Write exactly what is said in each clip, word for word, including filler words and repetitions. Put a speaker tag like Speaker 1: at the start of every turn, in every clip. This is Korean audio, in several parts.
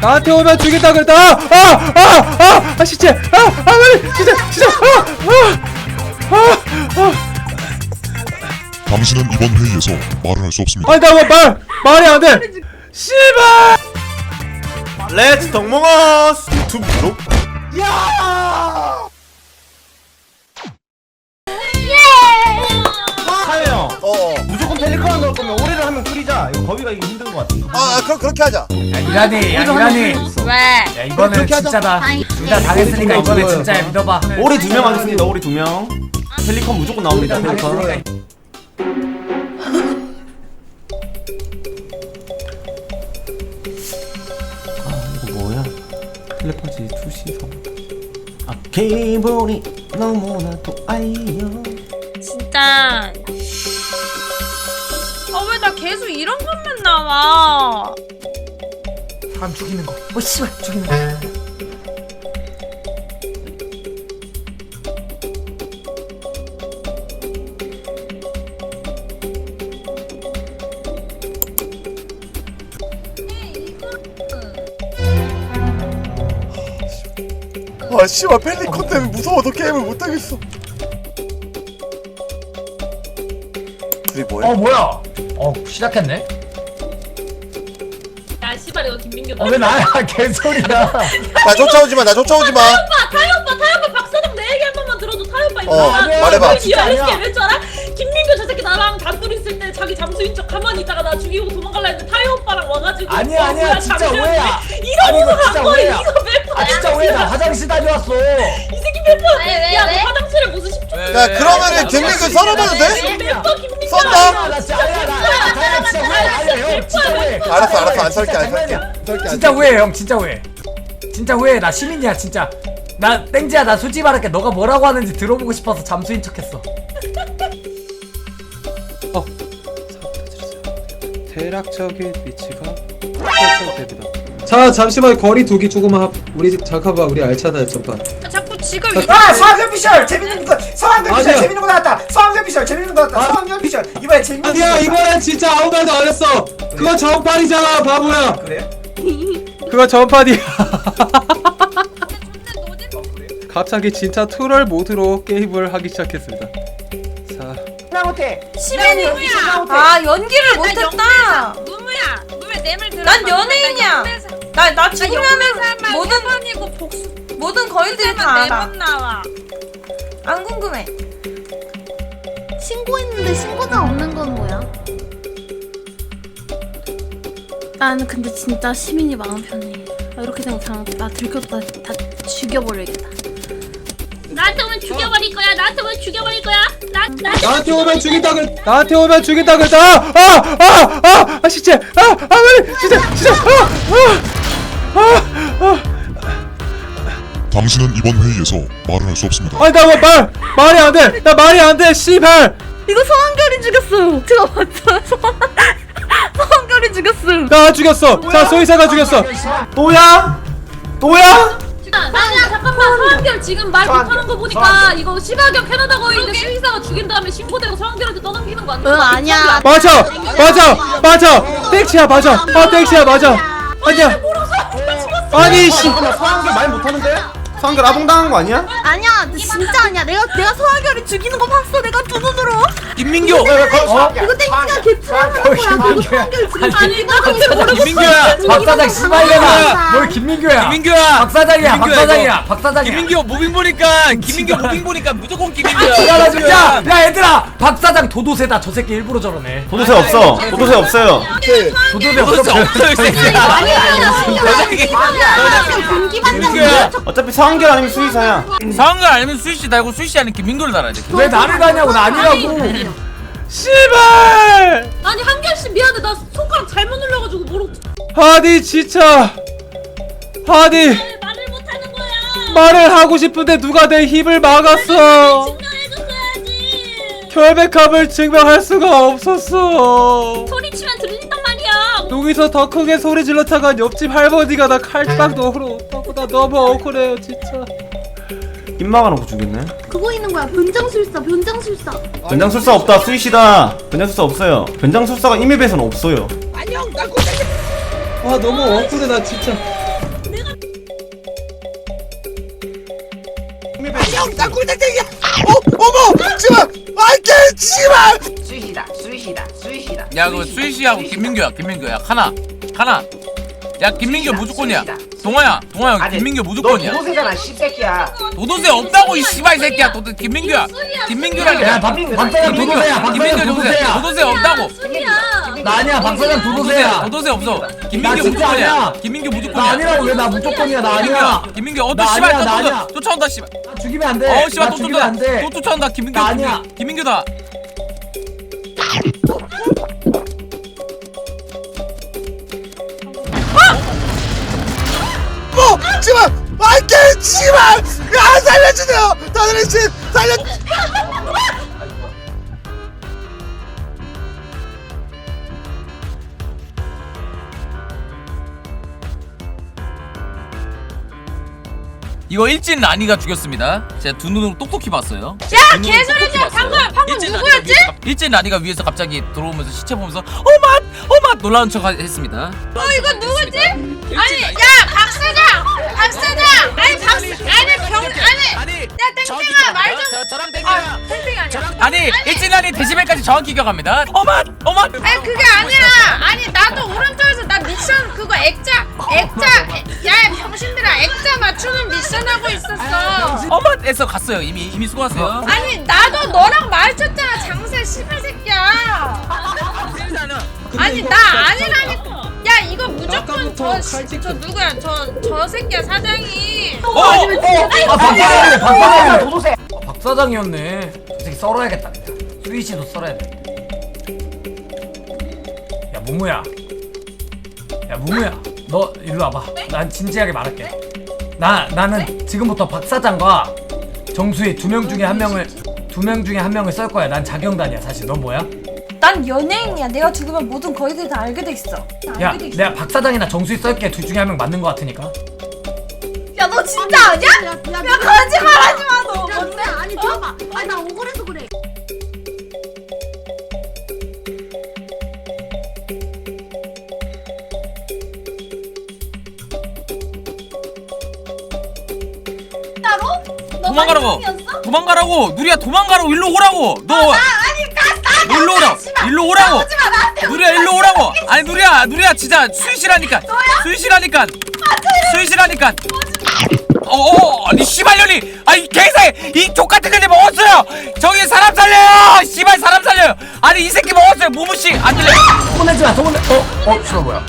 Speaker 1: 나한테 오면 죽인다 그랬다. 아아아아 아 진짜 아아 빨리 진짜 진짜 아아아
Speaker 2: 당신은 이번 회의에서 말을 할 수 없습니다.
Speaker 1: 아니 나 말 말이 안 돼. 씨발.
Speaker 3: 렛츠 동몽어스 유튜브로
Speaker 4: 야!
Speaker 3: 하영
Speaker 4: 어.
Speaker 3: 무조건 펠리컨 넣을 거면 오래를 하면 끓이자. 이거 거위가 이거 힘든 거 같아.
Speaker 4: 아, 그럼 그렇게 하자.
Speaker 5: 야 이란이 야 이란이
Speaker 6: 왜?
Speaker 5: 야 이거는
Speaker 4: 그렇게 하자.
Speaker 5: 진짜다 둘 다 당했으니까 이번에 진짜야 믿어봐
Speaker 3: 오리 두 명 하겠습니다. 오리 두 명. 펠리컨 무조건 나옵니다. 펠리컨. 아 이거 뭐야? 텔레파시 투시성. 아 기분이 너무나도 아이요.
Speaker 6: 진짜. 아 왜 나 계속 이런 것만 나와?
Speaker 5: 사람 죽이는 거어 씨발 죽이는 거
Speaker 4: 아, 씨발 펠리컨 때문에 무서워서 게임을 못 하겠어. 그게 뭐야?
Speaker 5: 어 뭐야 어 시작했네
Speaker 6: 야 씨발 이거 김민규.
Speaker 5: 어 왜 나야 개소리야
Speaker 4: 나 쫓아오지 마. 나 쫓아오지 마.
Speaker 6: 오빠 타요 오빠 타요 오빠 박사장 내 얘기 한 번만 들어줘. 타요 오빠
Speaker 4: 어,
Speaker 6: 있잖아.
Speaker 4: 말해봐.
Speaker 5: 진짜 아니야.
Speaker 6: 왜 줄 알아? 김민규 저 새끼 나랑 단둘이 있을 때 자기 잠수인 척 가만히 있다가 나 죽이고 도망갈라 했는데 타요 오빠랑 와가지고.
Speaker 5: 아니야,
Speaker 6: 어,
Speaker 5: 아니야,
Speaker 6: 뭐야,
Speaker 5: 진짜
Speaker 6: 잠시만요.
Speaker 5: 오해야.
Speaker 6: 이거
Speaker 5: 아니, 이거
Speaker 6: 보고
Speaker 5: 진짜
Speaker 6: 간 거야.
Speaker 5: 오해야.
Speaker 6: 이거 몇 번이야?
Speaker 5: 아 진짜 왜 나 화장실 다녀왔어
Speaker 6: 이 새끼 몇 번?
Speaker 7: 왜, 왜,
Speaker 6: 야, 너
Speaker 7: 왜?
Speaker 6: 화장실에 무슨 십 초?
Speaker 4: 야, 그러면은 김민규 썰어봐도 돼?
Speaker 6: 몇번 김민규?
Speaker 4: 썬다?
Speaker 5: 나 진짜 아니야 나 나 진짜 왜 아니야 형 진짜 왜
Speaker 4: 알았어, 알았어. 안 설게, 안 설게.
Speaker 5: 장난이야.
Speaker 4: 안 설게, 안
Speaker 5: 진짜
Speaker 4: 설게.
Speaker 5: 후회해 형 진짜 후회 진짜 후회해 나 시민이야 진짜 나 땡지야 나 솔직히 말할게 너가 뭐라고 하는지 들어보고 싶어서 잠수인 척했어
Speaker 1: 어. 대략적인 위치가 설정됩니다. 자 잠시만 거리 두기 조금만. 우리 잠깐만 우리 알차다 전판.
Speaker 6: 자꾸 지금
Speaker 8: 아 서학연 피셜 재밌는 거 서학연 피셜
Speaker 1: 아니야.
Speaker 8: 재밌는 거 나왔다 서학연 피셜 재밌는 거 나왔다 서학연 피셜 이번에 재밌는
Speaker 1: 아니야
Speaker 8: 거
Speaker 1: 이번엔 진짜 아무 말도 안 했어. 그거 전판이잖아 바보야.
Speaker 8: 그래요?
Speaker 1: 그거 전판이야. 갑자기 진짜 트롤 모드로 게임을 하기 시작했습니다. 자
Speaker 8: 나 못해
Speaker 7: 시민이야.
Speaker 6: 아 연기를
Speaker 7: 못했다.
Speaker 6: 누무야 누무야 뇌물 들어.
Speaker 7: 난 연예인이야. 나 나 죽으면은 모든
Speaker 6: 번이고 복수
Speaker 7: 모든 거인들이 다 알아.
Speaker 6: 네번 나와.
Speaker 7: 안 궁금해.
Speaker 9: 신고했는데 신고자 없는 건 뭐야? 나는 근데 진짜 시민이 마음 편해. 아, 이렇게 생각하면 나 들켰다 다 죽여버리겠다.
Speaker 6: 나한테 오면 죽여버릴 거야. 나한테 오면 죽여버릴 거야. 나 나.
Speaker 1: 나한테 오면 죽인다 그랬. 나한테 오면 죽인다 그랬다. 아아아아 아, 진짜 아아 빨리 진짜 진짜 아아아
Speaker 2: 당신은 이번 회의에서 말을 할 수 없습니다.
Speaker 1: 아니 나 말 말이 안 돼. 나 말이 안 돼. 씨발.
Speaker 9: 이거 서한결이 죽였어요. 제가 봤어요. 서한결이 죽였어요.
Speaker 1: 나 죽였어. 자 소희사가 죽였어.
Speaker 3: 또야? 또야?
Speaker 6: 아니야 잠깐만 서한결 지금 말 못하는 거 보니까 이거 시가격 캐나다 거인데 수의사가 죽인 다음에 신고되고 서한결한테 떠넘기는 거 아니야?
Speaker 9: 응 아니야.
Speaker 1: 맞아 맞아 맞아. 땡치야 맞아. 아 땡치야 맞아. 아니야. 아니 씨.
Speaker 3: 서한결 말 못하는데? 서한결 아동당한 거 아니야?
Speaker 9: 아니야 진짜 아니야. 내가 내가 서한결이 죽이는 거 봤어. 내가 두 눈으로.
Speaker 1: 김민규.
Speaker 5: 어?
Speaker 9: 이거 땡기가 개풀한 거야. 서한결 죽인
Speaker 6: 아니 나 근데 모르겠어.
Speaker 1: 김민규야.
Speaker 5: 박사장 씨발려라 뭘 김민규야
Speaker 1: 김민규야.
Speaker 5: 박사장이야
Speaker 1: 김민규야,
Speaker 5: 박사장이야 박사장이야
Speaker 1: 김민규 무빙 보니까 김민규 무빙 보니까 무조건 김민규야.
Speaker 5: 지랄아 진짜 야 얘들아 박사장 도도새다 저 새끼 일부러 저러네
Speaker 3: 도도새 없어. 도도새 없어요.
Speaker 5: 도도새 없어
Speaker 1: 김민규야.
Speaker 3: 어차피 서한결 아니면 수의사야.
Speaker 10: 상황을 알면 수희씨 달고 수희씨 아닌 김민규를 달아야 돼.
Speaker 5: 왜 나를 가냐고 나 아니라고
Speaker 1: 씨발.
Speaker 6: 아니 한결씨 미안해 나 손가락 잘못 눌러가지고 모르고
Speaker 1: 하디 진짜. 하디
Speaker 6: 말을 못하는 거야.
Speaker 1: 말을 하고 싶은데 누가 내 힘을 막았어.
Speaker 6: 증명해줬어야지.
Speaker 1: 결백함을 증명할 수가 없었어.
Speaker 6: 소리치면 들린단 말이야.
Speaker 1: 여기서 더 크게 소리 질렀다간 옆집 할머니가 나 칼빵 넣으러 오다고. 나 너무 억울해요 진짜.
Speaker 3: 입 막아놓고 죽였네.
Speaker 9: 그거 있는 거야. 변장술사 변장술사.
Speaker 3: 변장술사 없다. 수희씨다. 변장술사 없어요. 변장술사가 이맵에서는 없어요.
Speaker 1: 아 너무 억울해 나 진짜.
Speaker 4: 형, 나 꿀땡땡이야. 어, 어머, 씨발, 아이 개, 씨발.
Speaker 8: 수희다 수희다 수희다
Speaker 10: 야 그 수희씨하고 김민규야 김민규야 하나 하나 야 김민규 무조건이야 동아야 동아야 김민규 무조건이야
Speaker 8: 너 도도새잖아 씨새끼야.
Speaker 10: 도도새 없다고 이 씨발 새끼야 도도 김민규야 김민규라니까
Speaker 5: 야 박, 박사장 도도새야 박사장
Speaker 10: 김민규 도도새
Speaker 5: 도도새야
Speaker 10: 도도새 없다고
Speaker 5: 나 아니야 박사장 도도새야
Speaker 10: 도도새 없어
Speaker 5: 나
Speaker 10: 김민규
Speaker 5: 진짜
Speaker 10: 무조건이야
Speaker 5: 아니야.
Speaker 10: 김민규
Speaker 5: 나
Speaker 10: 무조건이야
Speaker 5: 아니라고 왜 나 무조건이야 나 아니야
Speaker 10: 김민규 어또
Speaker 5: 나
Speaker 10: 씨발
Speaker 5: 아니야, 나
Speaker 10: 또
Speaker 5: 아니야.
Speaker 10: 또 쫓아온다 씨발
Speaker 5: 나 죽이면 안돼
Speaker 10: 어 씨발
Speaker 5: 나
Speaker 10: 또
Speaker 5: 죽이면
Speaker 10: 쫓아온다
Speaker 5: 안돼
Speaker 10: 또 쫓아온다 김민규
Speaker 5: 나 아니야.
Speaker 10: 김민규. 김민규다
Speaker 4: 뭐, 씨발, 아이 개, 씨발. 야, 살려주세요. 다들 씨, 살려.
Speaker 10: 이거 일진 라니가 죽였습니다. 제가 두 눈으로 똑똑히 봤어요.
Speaker 7: 야 개소리야 방금 방금 누구였지?
Speaker 10: 일진 라니가 위에서 갑자기 들어오면서 시체 보면서 어맛 어맛 놀라운 척 했습니다.
Speaker 7: 어 이거 누구지? 아니 야 박사장 박사장 아니 박사 아니 병 아니 야 땡땡아 말좀
Speaker 10: 저랑
Speaker 7: 아 땡땡이 아니야
Speaker 10: 아니 일진 라니 데시벨까지 정확히 기억합니다. 어맛 어맛.
Speaker 7: 아니 그게 아니라 아니 나도 오른쪽에서 나 미션 그거 액자 액자 야 병신들아 액자 맞추는 미션 하고 있었어.
Speaker 10: 어맛에서 갔어요. 이미 이미 수고하세요.
Speaker 7: 아니 나도 너랑 마주쳤잖아 장세 씨발 새끼야. 아니 나 아니라니까. 야 이거 무조건 저, 씨- 저 누구야 저 저 새끼야 사장이.
Speaker 10: 어, 어,
Speaker 5: 아 박사장이네 박사장이네
Speaker 8: 도도새.
Speaker 5: 어, 박사장이었네 저 새끼 썰어야겠다 그냥 수희씨도 썰어야 돼야 무무야 야 무무야 너 일로 와봐 난 진지하게 말할게 나 나는 지금부터 박사장과 정수희 두 명 중에 한 명을 두 명 중에 한 명을 썰 거야 난 자경단이야 사실 넌 뭐야?
Speaker 7: 난 연예인이야. 내가 죽으면 모든 거의들 다 알게 돼 있어.
Speaker 5: 야 내가 박사장이나 정수희 썰게 둘 중에 한 명 맞는 거 같으니까
Speaker 7: 야 너 진짜 아니야? 야 거짓말하지 마 너.
Speaker 9: 뭔데? 아니 들어봐. 아니 나 억울해서 그래.
Speaker 10: 도망가라고. 도망가라고. 누리야 도망가라고. 일로 오라고. 너.
Speaker 7: 아니 갔다.
Speaker 10: 너 일로 오라. 일로 오라고. 누리야 일로 오라고. 아니 누리야 누리야 진짜 수희씨라니까. 수희씨라니까. 수희씨라니까. 어어 아니 씨발년이 아니 개새 이 족같은 년이 먹었어요. 저기 사람 살려요. 씨발 사람 살려요. 아니 이 새끼 먹었어요. 무무씨 안 들려.
Speaker 5: 손내지 마 손내 어? 어? 싫어 뭐야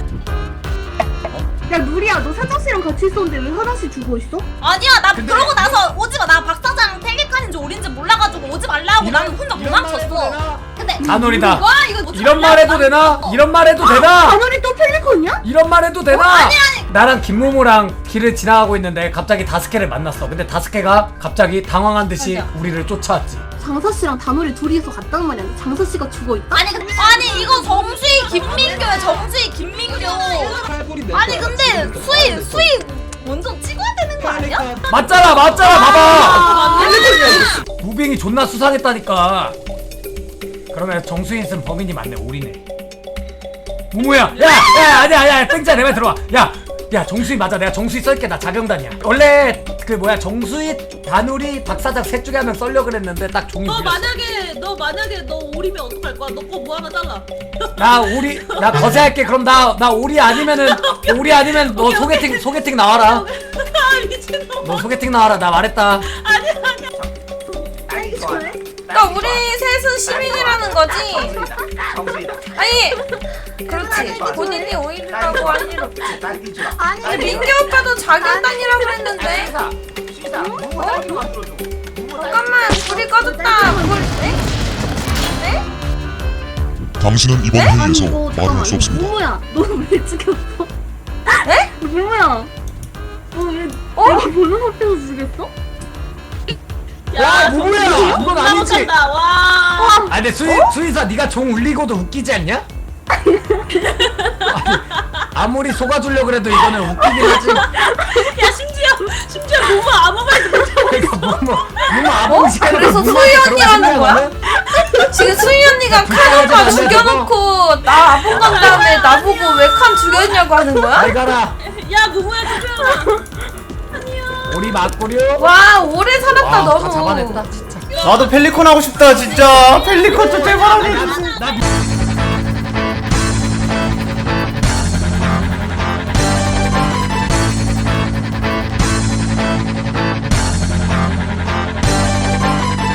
Speaker 9: 야 누리야 너 사장씨랑 같이 있었는데 왜 화장실 죽어 있어?
Speaker 7: 아니야 나 그러고 나서 오지마. 나 박사장 펠리칸인지 오린지 몰라가지고 오지 말라고 나는 혼자 도망쳤어. 근데
Speaker 5: 다놀이다
Speaker 7: 와 이거 뭐
Speaker 5: 이런 말 해도 되나? 이런 말 해도 되나?
Speaker 9: 다놀이 또 펠리콘이야?
Speaker 5: 이런 말 해도 되나?
Speaker 7: 아니, 아니.
Speaker 5: 나랑 김무무랑 길을 지나가고 있는데 갑자기 다스케를 만났어. 근데 다스케가 갑자기 당황한 듯이
Speaker 7: 맞아.
Speaker 5: 우리를 쫓아왔지.
Speaker 9: 장사씨랑 다놀이 둘이서 갔다는 말이야. 장사씨가 죽어 있다?
Speaker 7: 아니 근데 아니 이거 정수희 김민규야. 정수희 김민규. 아니 근데 수희 수희 먼저 찍어야 되는 거 아니야?
Speaker 5: 맞잖아 맞잖아 봐봐. 무빙이 존나 수상했다니까. 그러면 정수인 쓴 범인이 맞네. 우리네. 무무야 야야 아니야 아니야 땡자 내 말 들어와. 야 야 정수희 맞아. 내가 정수희 썰게. 나 자경단이야. 원래 그 뭐야 정수희 다누리 박사장 셋 중에 한 명 썰려 그랬는데 딱 종이
Speaker 6: 너
Speaker 5: 물렸어.
Speaker 6: 만약에 너 만약에 너 오리면 어떡할 거야? 너 거 뭐 하나 잘라.
Speaker 5: 나 오리 나 거세할게. 그럼 나 나 오리 아니면은 오리 아니면 너
Speaker 6: 오케이,
Speaker 5: 소개팅
Speaker 6: 오케이.
Speaker 5: 소개팅 나와라.
Speaker 6: 아 미친놈.
Speaker 5: 너 소개팅 나와라. 나 말했다.
Speaker 6: 아니야 아니야.
Speaker 8: 딸기 좋아.
Speaker 7: 그러니까 우리 셋은 시민이라는 거지.
Speaker 8: 정수이다.
Speaker 7: 아니 그렇지. 본인이 오일이라고 할 일 없지.
Speaker 8: 딸기 좋아.
Speaker 9: 아니
Speaker 7: 근데 민규 오빠도 자경단이라고 그랬는데.
Speaker 8: 수희다. 수희다. 뭐 딸기 만들어줘.
Speaker 7: 잠깐만 불이 꺼졌다. 불 네? 네?
Speaker 2: 당신은 이번
Speaker 9: 아니
Speaker 2: 회의에서
Speaker 9: 이거
Speaker 2: 말을
Speaker 9: 잠깐만
Speaker 2: 할 수 없습니다.
Speaker 9: 무무야 너는 왜 죽였어?
Speaker 7: 네?
Speaker 9: 무무야 너왜
Speaker 7: 어?
Speaker 9: 여기 보는 앞에서 죽였어?
Speaker 5: 야, 무무야! 이건 아니지.
Speaker 6: 못한다. 와.
Speaker 5: 아 근데 수희 수희사 네가 종 울리고도 웃기지 않냐? 아니, 아무리 속아주려 그래도 이거는 웃기긴 하지.
Speaker 6: 야 심지어 심지어 너무 아무 말도 못하고.
Speaker 5: 그러니까 뭐뭐 뭐뭐 아무 시간에
Speaker 7: 그래서
Speaker 5: 무무한테
Speaker 7: 수희
Speaker 5: 그런
Speaker 7: 언니라는
Speaker 5: 생각을
Speaker 7: 거야?
Speaker 5: 하네?
Speaker 7: 지금 수희 언니가 칸 오빠 죽여놓고 나 아픈 간 다음에 나보고 왜 칸 죽였냐고 하는 거야?
Speaker 5: 잘 가라.
Speaker 6: 야 무무야 투표해라. 아니야.
Speaker 5: 오리 맞고요.
Speaker 7: 와 오래 살았다
Speaker 5: 아,
Speaker 7: 너무.
Speaker 5: 다 잡아냈다 진짜.
Speaker 3: 나도 펠리콘 하고 싶다 진짜. 펠리콘 좀 제발 하게 해주세요.
Speaker 5: 나